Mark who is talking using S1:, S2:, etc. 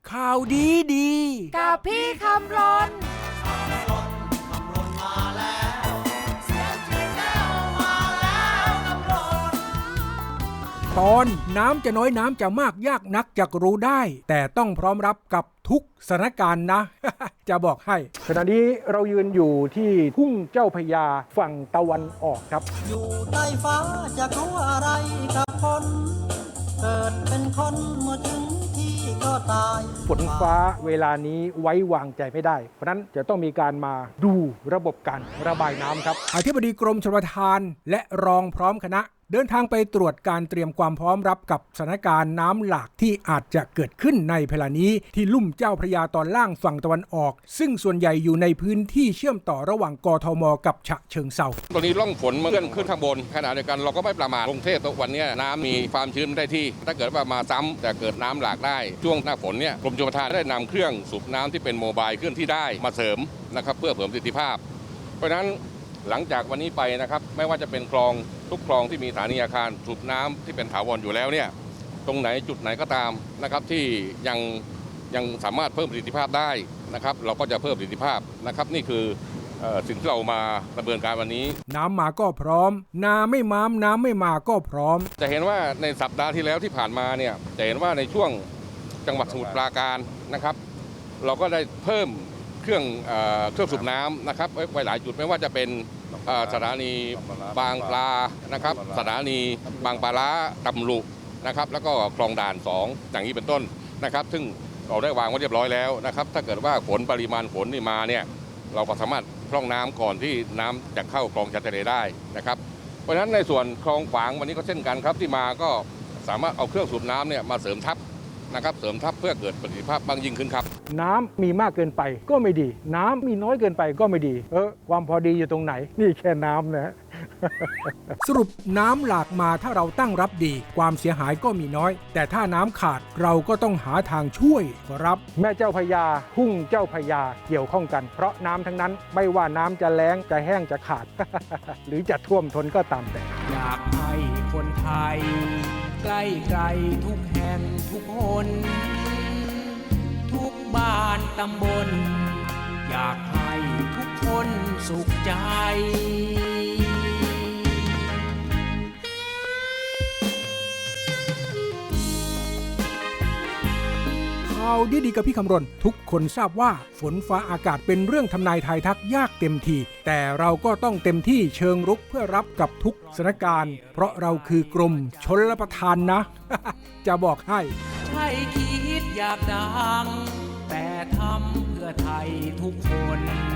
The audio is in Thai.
S1: ข่าวดีดี
S2: กับพี่คำรน
S1: ตอนน้ำจะน้อยน้ำจะมากยากนักจะรู้ได้แต่ต้องพร้อมรับกับทุกสถานการณ์นะ จะบอกให้ขณะนี้เรายืนอยู่ที่ทุ่งเจ้าพระยาฝั่งตะวันออกครับ
S3: อยู่ใต้ฟ้าจะกลัวอะไรกับคนเกิดเป็นคนเมื่อถึงที่ก็ตาย
S1: ฝนฟ้าเวลานี้ไว้วางใจไม่ได้เพราะนั้นจะต้องมีการมาดูระบบการระบายน้ำครับอธิบดีกรมชลประทานและรองพร้อมคณะเดินทางไปตรวจการเตรียมความพร้อมรับกับสถานการณ์น้ำหลากที่อาจจะเกิดขึ้นในเวลานี้ที่ลุ่มเจ้าพระยาตอนล่างฝั่งตะวันออกซึ่งส่วนใหญ่อยู่ในพื้นที่เชื่อมต่อระหว่างกทมกับฉะเชิงเทรา
S4: ตอนนี้ร่องฝนมันขึ้นข้างบนขณะเดียวกันเราก็ไม่ประมาทกรุงเทพวันนี้น้ำมีความชื้นได้ที่ถ้าเกิดว่ามาซ้ำแต่เกิดน้ำหลากได้ช่วงหน้าฝนเนี่ยกรมชลประทานได้นำเครื่องสูบน้ำที่เป็นโมบายเคลื่อนที่ได้มาเสริมนะครับเพื่อเพิ่มประสิทธิภาพเพราะฉะนั้นหลังจากวันนี้ไปนะครับไม่ว่าจะเป็นคลองทุกคลองที่มีสถานีอาคารสูบน้ำที่เป็นถาวรอยู่แล้วเนี่ยตรงไหนจุดไหนก็ตามนะครับที่ยังสามารถเพิ่มประสิทธิภาพได้นะครับเราก็จะเพิ่มประสิทธิภาพนะครับนี่คือสิ่งที่เรามาดำเนินการวันนี้
S1: น้ำมาก็พร้อมน้ำไม่มาก็พร้อม
S4: จะเห็นว่าในสัปดาห์ที่แล้วที่ผ่านมาเนี่ยจะเห็นว่าในช่วงจังหวัดสมุทรปราการนะครับเราก็ได้เพิ่มเครื่องสูบน้ำนะครับไว้หลายจุดไม่ว่าจะเป็นสถานีบางปลานะครับสถานีบางปลาล้าตำลุนะครับแล้วก็คลองด่าน2อย่างนี้เป็นต้นนะครับซึ่งเราได้วางไว้เรียบร้อยแล้วนะครับถ้าเกิดว่าปริมาณฝนนี่มาเนี่ยเราก็สามารถพร่องน้ำก่อนที่น้ำจะเข้าคลองชายทะเลได้นะครับเพราะฉะนั้นในส่วนคลองขวางวันนี้ก็เช่นกันครับที่มาก็สามารถเอาเครื่องสูบน้ำเนี่ยมาเสริมทับนะครับเสริมทับเพื่อเกิดประสิทธิภาพบางยิ่งขึ้นครับ
S1: น้ำมีมากเกินไปก็ไม่ดีน้ำมีน้อยเกินไปก็ไม่ดีความพอดีอยู่ตรงไหนนี่แค่น้ำนะ สรุปน้ำหลากมาถ้าเราตั้งรับดีความเสียหายก็มีน้อยแต่ถ้าน้ำขาดเราก็ต้องหาทางช่วยครับแม่เจ้าพระยาทุ่งเจ้าพระยาเกี่ยวข้องกันเพราะน้ำทั้งนั้นไม่ว่าน้ำจะแล้งจะแห้งจะขาด หรือจะท่วมท้นก็ตามแต่อยากให้คนไทยใกล้ไกลทุกแห่งทุกคนทุกบ้านตำบลอยากให้ทุกคนสุขใจข่าวดีๆกับพี่คำรณทุกคนทราบว่าฝนฟ้าอากาศเป็นเรื่องทำนายทายทักยากเต็มทีแต่เราก็ต้องเต็มที่เชิงรุกเพื่อรับกับทุกสถานการณ์เพราะเราคือกรมชลประทานนะ จะบอกให้ใช่คิดอยากดังแต่ทำเพื่อไทยทุกคน